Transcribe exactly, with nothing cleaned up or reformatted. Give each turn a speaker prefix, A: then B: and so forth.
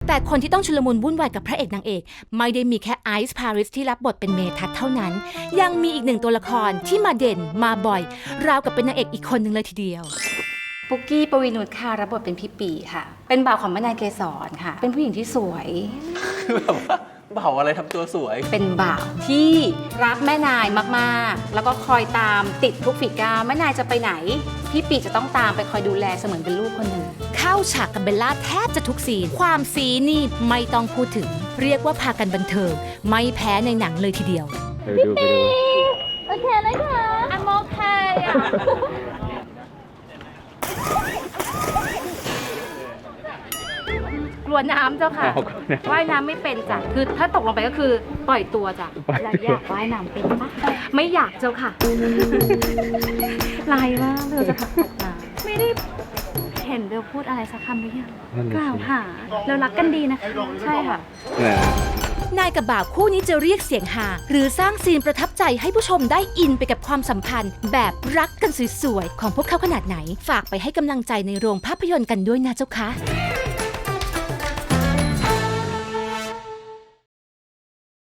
A: แต่คนที่ต้องชุลมุนวุ่นวายกับพระเอกนางเอกไม่ได้มีแค่ไอซ์พาริสที่รับบทเป็นเมทัศน์เท่านั้นยังมีอีกหนึ่งตัวละครที่มาเด่นมาบ่อยราวกับเป็นนางเอกอีกคนหนึ่งเลยทีเดียว
B: ปุกกี้ปวีนุชค่ะรับบทเป็นพี่ปีค่ะเป็นบ่าวของแม่นายเกษรค่ะเป็นผู้หญิงที่สวย
C: แบบว่าบ่าวอะไรทำตัวสวย
B: เป็นบ่าวที่รักแม่นายมากๆแล้วก็คอยตามติดทุกฝีก้าวแม่นายจะไปไหนพี่ปีจะต้องตามไปคอยดูแลเสมือนเป็นลูกคนหนึ่ง
A: เข้าฉากกับเบลล่าแทบจะทุกซีนความซีนี่ไม่ต้องพูดถึงเรียกว่าพากันบันเทิงไม่แพ้ในหนังเลยทีเดียว
D: พี่ปี
B: โอเคเลยค่ะอันโอเคอ่ะกลัวน้ำเจ้าค่ะว่ายน้ำไม่เป็นจ้ะคือถ้าตกลงไปก็คือปล่อยตัวจ้ะแล้วอยากว่ายน้ำเป็นปะไม่อยากเจ้าค่ะลายมากเลยจะขับตกน้ำไม่ได้เห็นเบลพูดอะไรสักคำหรือยังกล่าวหาเรารักกันดีนะคะใช่ค่ะ
A: นายกับบ่าวคู่นี้จะเรียกเสียงฮาหรือสร้างซีนประทับใจให้ผู้ชมได้อินไปกับความสัมพันธ์แบบรักกันสวยๆของพวกเขาขนาดไหนฝากไปให้กำลังใจในโรงภาพยนตร์กันด้วยนะเจ้าคะ